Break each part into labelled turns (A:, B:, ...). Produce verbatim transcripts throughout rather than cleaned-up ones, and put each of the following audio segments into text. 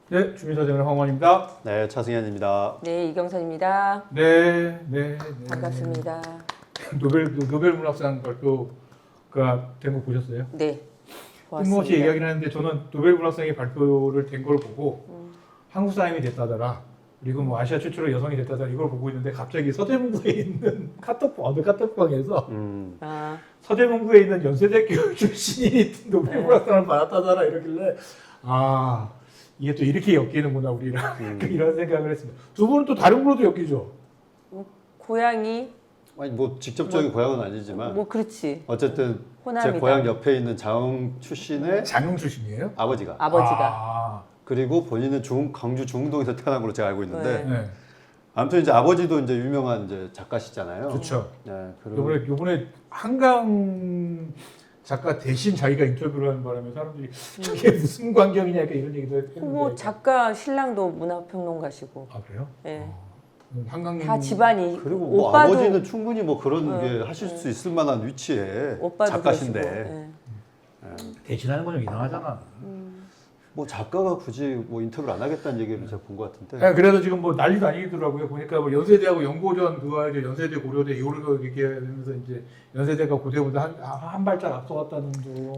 A: 네, 주민사정의 황원입니다.
B: 네, 차승현입니다.
C: 네, 이경선입니다.
A: 네, 네, 네.
C: 반갑습니다.
A: 노벨 노벨 문학상 발표가 된 거 보셨어요?
C: 네,
A: 뜬금없이
C: 고맙습니다.
A: 얘기하긴 하는데 저는 노벨 문학상이 발표를 된 걸 보고
C: 음.
A: 한국 사람이 됐다더라. 그리고 뭐 아시아 최초로 여성이 됐다더라 이걸 보고 있는데 갑자기 서대문구에 있는 카톡방 어느 카톡방에서
B: 음,
C: 아,
A: 서대문구에 있는 연세대학교 출신이 노벨 문학상을 받았다더라 이러길래 아 이게 또 이렇게 엮이는구나 우리랑
B: 음.
A: 이런 생각을 했습니다. 두 분은 또 다른 걸로도 엮이죠.
C: 고향이
B: 아니 뭐 직접적인 고향은 아니지만
C: 뭐 그렇지.
B: 어쨌든
C: 호남이다.
B: 제 고향 옆에 있는 자흥 출신의
A: 장흥 출신이에요?
B: 아버지가
C: 아버지가.
A: 아,
B: 그리고 본인은 중 광주 중흥동에서 태어난 걸로 제가 알고 있는데
C: 네.
A: 네,
B: 아무튼 이제 아버지도 이제 유명한 이제 작가시잖아요.
A: 그렇죠.
B: 네, 그리고
A: 요번에 요번에 한강 작가 대신 자기가 인터뷰를 하는 바람에 사람들이 저게 무슨 광경이냐 이렇게 이런 얘기도 했는데.
C: 뭐 작가 신랑도 문화평론가시고.
A: 아 그래요?
C: 예.
A: 음, 한강
C: 다 집안이.
B: 그리고 뭐
C: 오빠도
B: 아버지는 충분히 뭐 그런
C: 네.
B: 게 하실 수 있을 만한 위치에
C: 오빠도
B: 작가신데
C: 그러시고, 예.
A: 대신하는 건 좀 이상하잖아.
B: 뭐 작가가 굳이 뭐 인터뷰를 안 하겠다는 얘기를 제가 본 것 같은데
A: 네, 그래서 지금 뭐 난리도 아니더라고요. 보니까 뭐 연세대하고 연고전 그거 이제 연세대 고려대 이거를 얘기하면서 이제 연세대가 고대보다 한, 한 발짝 앞서갔다는 둥.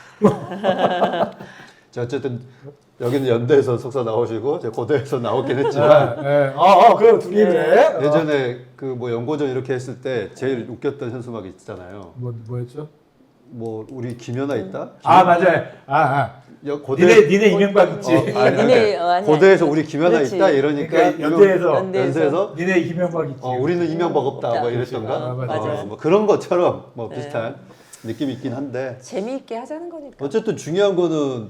B: 자, 어쨌든 여기는 연대에서 석사 나오시고 제가 고대에서 나왔긴 했지만
A: 네, 네. 아, 아, 그래 둘이 그래. 어.
B: 예전에 그 뭐 연고전 이렇게 했을 때 제일 웃겼던 현수막이 있잖아요.
A: 뭐 뭐였죠?
B: 뭐 우리 김연아 있다.
A: 아 맞아요. 아, 아.
B: 여, 고대
A: 니네 니네 이명박 있지.
B: 어, 아니, 아니,
C: 니네, 어, 아니,
B: 고대에서
C: 아니.
B: 우리 김연아
C: 그렇지.
B: 있다 이러니까
A: 그러니까 연대에서
C: 연대에서.
B: 연세에서
A: 니네 이명박 있지.
B: 어, 우리는 이명박 없다
C: 없다.
B: 뭐 이랬던가.
A: 아,
B: 어,
A: 맞아요.
B: 뭐 그런 것처럼 뭐
C: 네.
B: 비슷한 느낌이 있긴 한데
C: 재미있게 하자는 거니까.
B: 어쨌든 중요한 거는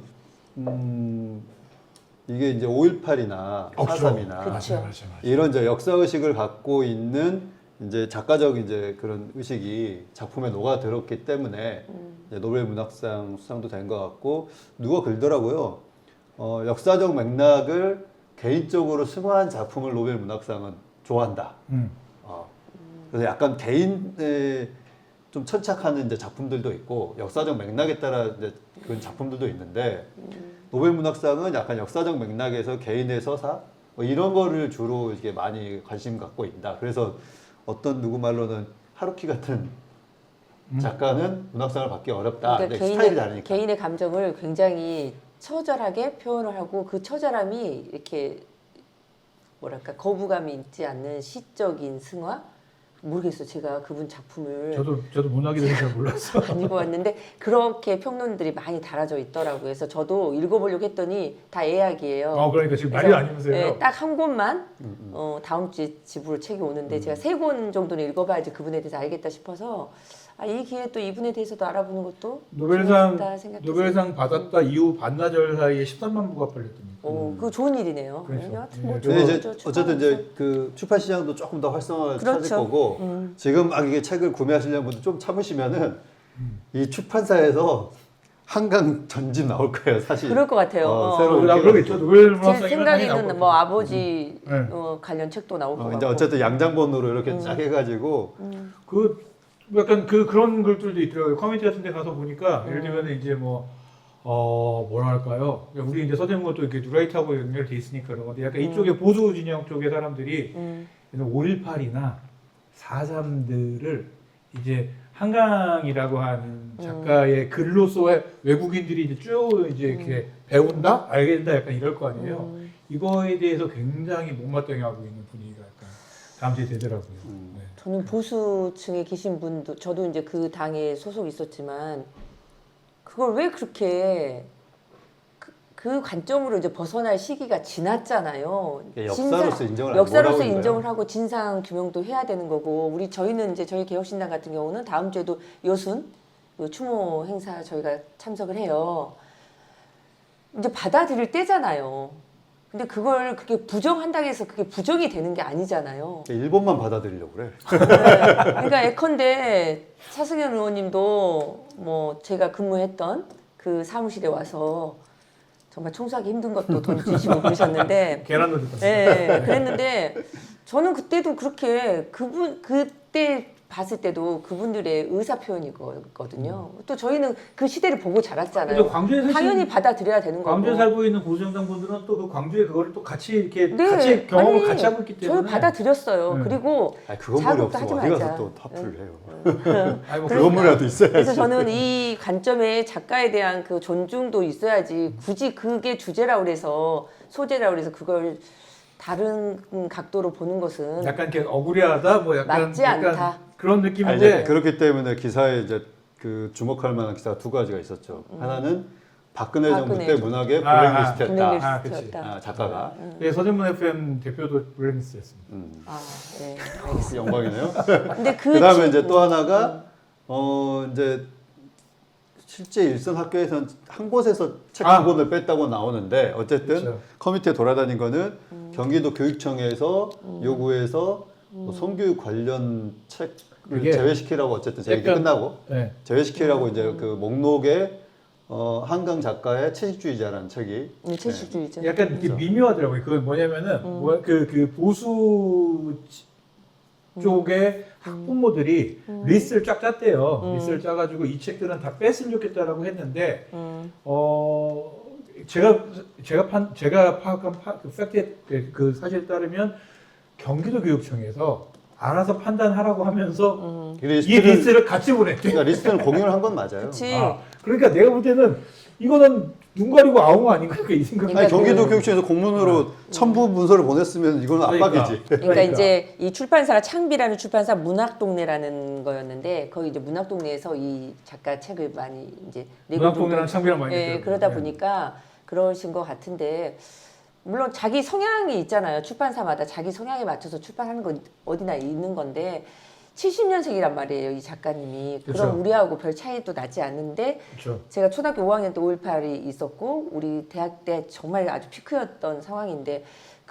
B: 음, 이게 이제 오일팔이나
A: 어, 그쵸.
B: 사삼이나
C: 그쵸.
A: 맞아요, 맞아요, 맞아요.
B: 이런 이제 역사 의식을 갖고 있는 이제 작가적 이제 그런 의식이 작품에 녹아들었기 때문에
C: 음.
B: 이제 노벨 문학상 수상도 된 것 같고 누가 글더라고요. 어, 역사적 맥락을 개인적으로 승화한 작품을 노벨 문학상은 좋아한다.
A: 음.
B: 어, 그래서 약간 개인에 좀 천착하는 이제 작품들도 있고 역사적 맥락에 따라 이제 그런 작품들도 있는데 노벨 문학상은 약간 역사적 맥락에서 개인의 서사 뭐 이런 거를 주로 이게 많이 관심 갖고 있다. 그래서 어떤 누구 말로는 하루키 같은 작가는 문학상을 받기 어렵다.
C: 그러니까
B: 근데
C: 개인의,
B: 스타일이 다르니까.
C: 개인의 감정을 굉장히 처절하게 표현을 하고 그 처절함이 이렇게 뭐랄까 거부감이 있지 않는 시적인 승화? 모르겠어. 제가 그분 작품을
A: 저도 저도 문학에 대해서 잘 몰랐어.
C: 안 읽어봤는데 그렇게 평론들이 많이 달아져 있더라고요. 그래서 저도 읽어보려고 했더니 다 예약이에요.
A: 어 그러니까 지금 난리
C: 그래서,
A: 아니면서요.
C: 예, 딱 한 권만
B: 음, 음.
C: 어, 다음 주에 집으로 책이 오는데 제가 세 권 정도는 읽어봐야지 그분에 대해서 알겠다 싶어서 아, 이 기회에 또 이분에 대해서도 알아보는 것도
A: 노벨상
C: 좋겠다 생각해서.
A: 노벨상 받았다 이후 반나절 사이에 십삼만 부가 팔렸답니다.
C: 어, 그거 좋은 일이네요.
A: 그렇죠.
C: 네, 여하튼 뭐
A: 예,
C: 좋은
B: 근데 이제
C: 거죠.
B: 어쨌든
C: 축하하면서.
B: 이제 그 출판 시장도 조금 더 활성화를
C: 그렇죠.
B: 찾을 거고
C: 음.
B: 지금 막 이게 책을 구매하시려는 분들 좀 참으시면은 이 출판사에서 한강 전집 나올 거예요, 사실.
C: 그럴 것 같아요.
B: 어,
C: 어.
B: 새로
A: 아, 그러겠죠. 노벨
C: 제
A: 문학상이
C: 생각에는 뭐 아버지
A: 음. 네.
C: 어, 관련 책도 나올 것
B: 어,
C: 같고.
B: 이제 어쨌든 양장본으로 이렇게
C: 음.
B: 쫙 해가지고
A: 그 약간 그 그런 글들도 있더라고요. 커뮤니티 같은 데 가서 보니까
C: 음.
A: 예를 들면 이제 뭐 어, 뭐랄까요? 우리 이제 서대문은 또 이렇게 누라이트하고 연결돼 있으니까 그런 건데 약간 이쪽에 보수 진영 쪽의 사람들이
C: 음.
A: 오일팔이나 사삼들을 이제 한강이라고 하는 작가의 글로서 외국인들이 이제 쭉 이제 이렇게 배운다, 알게 된다, 약간 이럴 거 아니에요.
C: 음.
A: 이거에 대해서 굉장히 못마땅해하고 있는 분위기가 약간 감지 되더라고요.
B: 음.
A: 네.
C: 저는 보수층에 계신 분도 저도 이제 그 당에 소속 있었지만 그걸 왜 그렇게 그, 그 관점으로 이제 벗어날 시기가 지났잖아요.
B: 그러니까 역사로서 인정을 안
C: 역사로서
B: 뭐라고
C: 인정을
B: 있나요?
C: 하고 진상 규명도 해야 되는 거고 우리 저희는 이제 저희 개혁신당 같은 경우는 다음 주에도 여순 그 추모 행사 저희가 참석을 해요. 이제 받아들일 때잖아요. 근데 그걸 그렇게 부정한다고 해서 그게 부정이 되는 게 아니잖아요.
B: 일본만 받아들이려고 그래.
C: 네. 그러니까 예컨대 차승현 의원님도 뭐 제가 근무했던 그 사무실에 와서 정말 청소하기 힘든 것도 돈 주시고 그러셨는데
A: 계란도 줬다.
C: 네, 그랬는데 저는 그때도 그렇게 그분 그때 봤을 때도 그분들의 의사 표현이거든요. 또 저희는 그 시대를 보고
A: 근데
C: 자랐잖아요.
A: 광주에 사실
C: 당연히 받아들여야 되는 거고.
A: 광주에 살고 있는 보수정당 분들은 또 그 광주에 그거를 또 같이 이렇게
C: 네.
A: 같이 경험을
C: 아니,
A: 같이 하고 있기 때문에
C: 저희 받아들였어요.
A: 네.
C: 그리고
B: 아니, 그건
C: 자극도
B: 머리
C: 하지
B: 없으면 어디 가서
C: 말자.
B: 또 타프를 해요.
A: 아니, 뭐
B: 그건 머리라도 있어야지.
C: 그래서 저는 이 관점에 작가에 대한 그 존중도 있어야지 굳이 그게 주제라 그래서 소재라 그래서 그걸 다른 각도로 보는 것은
A: 약간 이렇게 억울해하다 뭐 약간
C: 맞지
A: 약간
C: 않다.
A: 그런
B: 아니,
A: 느낌인데
B: 이제 그렇기 때문에 기사에 이제 그 주목할 만한 기사가 두 가지가 있었죠. 하나는 박근혜, 정부
C: 박근혜
B: 때
C: 정부.
B: 문학의
A: 아,
B: 블랙리스트였다.
A: 아, 그치.
C: 블랙리스트였다.
B: 아, 작가가.
A: 네, 서대문 에프엠 대표도 블랙리스트였습니다.
B: 음.
C: 아, 네, 알겠습니다.
B: 영광이네요.
C: 근데 그
B: 그다음에
C: 친-
B: 이제 또 하나가 어 이제 실제 일선 학교에서는 한 곳에서 책
A: 아.
B: 한 권을 뺐다고 나오는데 어쨌든
A: 그렇죠.
B: 커뮤니티에 돌아다닌 거는
C: 음.
B: 경기도 교육청에서 요구해서 뭐 성교육 관련 책을
A: 그게
B: 제외시키라고 어쨌든 제 얘기
A: 약간-
B: 끝나고
A: 네.
B: 제외시키라고
C: 음.
B: 이제 그 목록에 어, 한강 작가의 채식주의자라는 책이
C: 음, 채식주의자.
A: 약간 이렇게
B: 그렇죠.
A: 미묘하더라고요. 그건 뭐냐면은 뭐 그 그 보수 쪽의 학부모들이 리스트를 쫙 짰대요.
C: 음.
A: 리스트를 짜가지고 이 책들은 다 뺐으면 좋겠다라고 했는데
C: 음,
A: 어 제가 제가 판 제가 파악한 파, 그 팩트 그, 그 사실에 따르면 경기도 교육청에서 알아서 판단하라고 하면서
C: 음.
B: 이
A: 이
B: 리스트를,
A: 리스트를 같이 보냈대.
B: 그러니까 리스트는 공유를 한 건 맞아요.
C: 그치.
A: 아, 그러니까 내가 볼 때는 이거는 눈 가리고 아웅 아닌가 이 생각.
B: 아니,
C: 그러니까
B: 경기도
C: 그-
B: 교육청에서 공문으로 첨부 문서를 보냈으면 이건
A: 그러니까.
B: 압박이지.
C: 그러니까,
A: 그러니까.
C: 이제 이 출판사가 창비라는 출판사 문학동네라는 거였는데 거기 이제 문학동네에서 이 작가 책을 많이 이제 내고
A: 문학동네랑
C: 좀-
A: 창비랑 많이
C: 예,
A: 했더라고요.
C: 그러다
A: 네.
C: 보니까 그러신 것 같은데 물론 자기 성향이 있잖아요. 출판사마다 자기 성향에 맞춰서 출판하는 건 어디나 있는 건데 칠십 년생이란 말이에요. 이 작가님이.
A: 그렇죠.
C: 그럼 우리하고 별 차이도 나지 않는데
A: 그렇죠.
C: 제가 초등학교 오 학년 때 오일팔이 있었고 우리 대학 때 정말 아주 피크였던 상황인데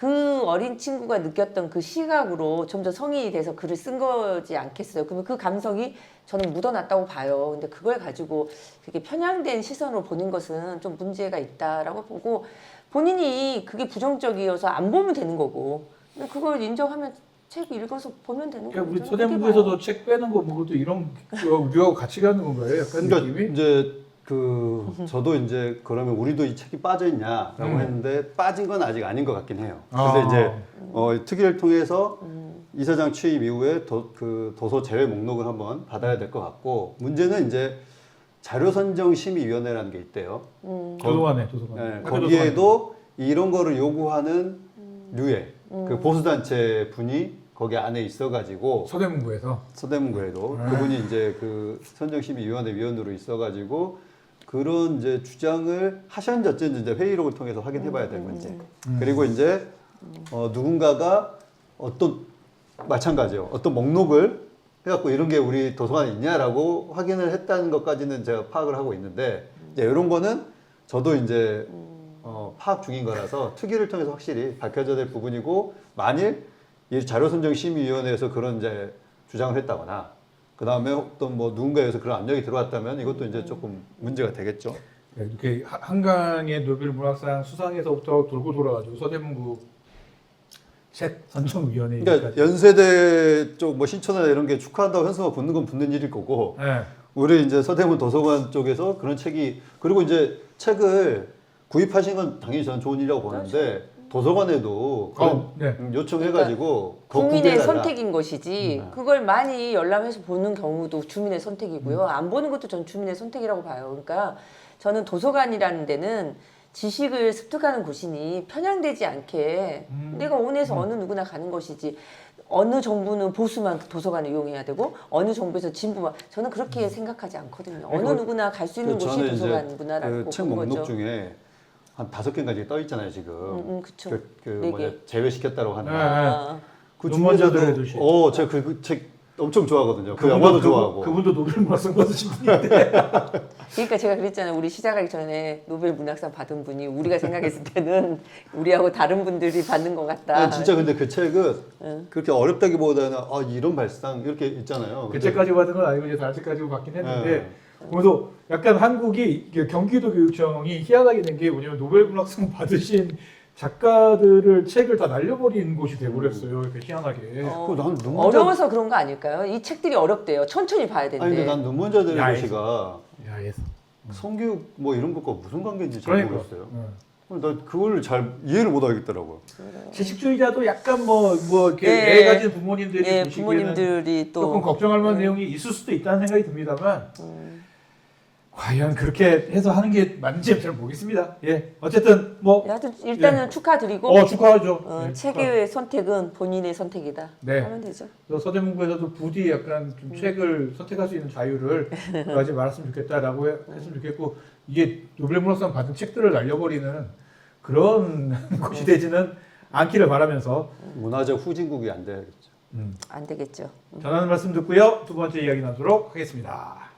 C: 그 어린 친구가 느꼈던 그 시각으로 점점 성인이 돼서 글을 쓴 거지 않겠어요. 그러면 그 감성이 저는 묻어났다고 봐요. 근데 그걸 가지고 그렇게 편향된 시선으로 보는 것은 좀 문제가 있다라고 보고 본인이 그게 부정적이어서 안 보면 되는 거고 근데 그걸 인정하면 책 읽어서 보면 되는 거죠.
A: 그러니까 우리
C: 그렇게
A: 서대문구에서도
C: 봐요.
A: 책 빼는 거 뭐도 이런 거 우리하고 같이 가는 건가요? 약간
B: 그러니까
A: 느낌이?
B: 이제 그 저도 이제 그러면 우리도 이 책이 빠져 있냐라고
A: 음.
B: 했는데 빠진 건 아직 아닌 것 같긴 해요.
A: 아.
B: 근데 이제 어, 특위를 통해서
C: 음.
B: 이사장 취임 이후에 도, 그 도서 제외 목록을 한번 받아야 될 것 같고 문제는 이제 자료 선정 심의위원회라는 게 있대요.
C: 음.
A: 도서관에 도서관.
B: 네,
A: 학교
B: 거기에도 이런 거를 요구하는 류의
C: 음.
B: 그 보수단체 분이 거기 안에 있어가지고
A: 서대문구에서
B: 서대문구에도
A: 아.
B: 그분이 이제 그 선정심의위원회 위원으로 있어가지고 그런 이제 주장을 하셨는지 어쩐지 이제 회의록을 통해서 확인해봐야 될 문제.
A: 음.
B: 그리고 이제 어, 누군가가 어떤 마찬가지요. 어떤 목록을 해갖고 이런 게 우리 도서관에 있냐라고 확인을 했다는 것까지는 제가 파악을 하고 있는데 이제 이런 거는 저도 이제 어, 파악 중인 거라서 특위를 통해서 확실히 밝혀져야 될 부분이고 만일 이 자료선정심의위원회에서 그런 이제 주장을 했다거나 그 다음에 어떤 뭐 누군가에서 그런 압력이 들어왔다면 이것도 이제 조금 문제가 되겠죠.
A: 이렇게 하- 한강의 노벨 문학상 수상에서부터 돌고 돌아가지고 서대문구 책 선정위원회.
B: 그러니까 연세대 쪽 뭐 신촌이나 이런 게 축하한다고 현수막 붙는 건 붙는 일일 거고
A: 네.
B: 우리 이제 서대문 도서관 쪽에서 그런 책이 그리고 이제 책을 구입하신 건 당연히 저는 좋은 일이라고 보는데 도서관에도 그런
A: 어, 네.
B: 음, 요청해가지고 더
C: 국민의
B: 공개해달라.
C: 선택인 것이지
B: 음.
C: 그걸 많이 열람해서 보는 경우도 주민의 선택이고요. 안 보는 것도 전 주민의 선택이라고 봐요. 그러니까 저는 도서관이라는 데는 지식을 습득하는 곳이니 편향되지 않게
A: 음.
C: 내가 원해서 어느 누구나 가는 것이지 어느 정부는 보수만 도서관을 이용해야 되고 어느 정부에서 진보만 저는 그렇게 생각하지 않거든요. 어느
A: 그-
C: 누구나 갈 수 있는
B: 그
C: 곳이
B: 저는
C: 도서관
B: 이제
C: 문화라고
B: 그 책
C: 보는
B: 목록
C: 거죠.
B: 중에 한 다섯 개까지 떠 있잖아요 지금.
C: 음, 음, 그쵸.
B: 그, 그
C: 네
B: 뭐냐
C: 개.
B: 제외시켰다고 하는.
A: 네.
B: 거.
C: 아,
B: 그
A: 눈먼자들의 도시.
B: 어, 제가 그 책 엄청 좋아하거든요. 그
A: 그분도-
B: 영화도
A: 그분-
B: 좋아하고.
A: 그분도 노벨 문학상 받으신 분인데.
C: 그러니까 제가 그랬잖아요. 우리 시작하기 전에 노벨 문학상 받은 분이 우리가 생각했을 때는 우리하고 다른 분들이 받는 것 같다.
B: 아니, 진짜 근데 그 책은
C: 응.
B: 그렇게 어렵다기보다는 아 이런 발상 이렇게 있잖아요.
A: 그
B: 근데-
A: 책까지 받은 건 아니고 이제 다른 책까지 받긴 했는데
B: 네.
A: 그래서 약간 한국이 이게 경기도 교육청이 희한하게 된 게 뭐냐면 노벨 문학상 받으신 작가들을 책을 다 날려버린 곳이 돼버렸어요. 이렇게 희한하게.
C: 어,
B: 그난 눈먼자-
C: 어려워서 그런 거 아닐까요? 이 책들이 어렵대요. 천천히 봐야 된대.
B: 아니 근데 난 눈먼자들의
A: 야에서.
B: 도시가
A: 야에서.
B: 성교육 뭐 이런 것과 무슨 관계인지 잘
A: 그러니까.
B: 모르겠어요.
A: 응.
B: 나 그걸 잘 이해를 못 하겠더라고요.
A: 채식주의자도 약간 뭐 뭐 이렇게
C: 예.
A: 애 가진 부모님들이
C: 예,
A: 보시기에는
C: 부모님들이 또
A: 조금 걱정할 만한
C: 음.
A: 내용이 있을 수도 있다는 생각이 듭니다만
C: 음.
A: 과연 그렇게 해서 하는 게 맞는지 잘 모르겠습니다. 예, 어쨌든 뭐
C: 하여튼 일단은 축하드리고
A: 어, 축하하죠.
C: 어,
A: 예,
C: 책의 선택은 본인의 선택이다.
A: 네.
C: 하면 되죠.
A: 그래서 서대문구에서도 부디 약간 좀 책을 선택할 수 있는 자유를 가지 말았으면 좋겠다라고 해- 했으면 좋겠고 이게 노벨문학상 받은 책들을 날려버리는 그런 곳이 되지는 않기를 바라면서
B: 문화적 후진국이 안 돼야겠죠.
A: 음,
C: 안 되겠죠.
A: 전하는 말씀 듣고요. 두 번째 이야기 나누도록 하겠습니다.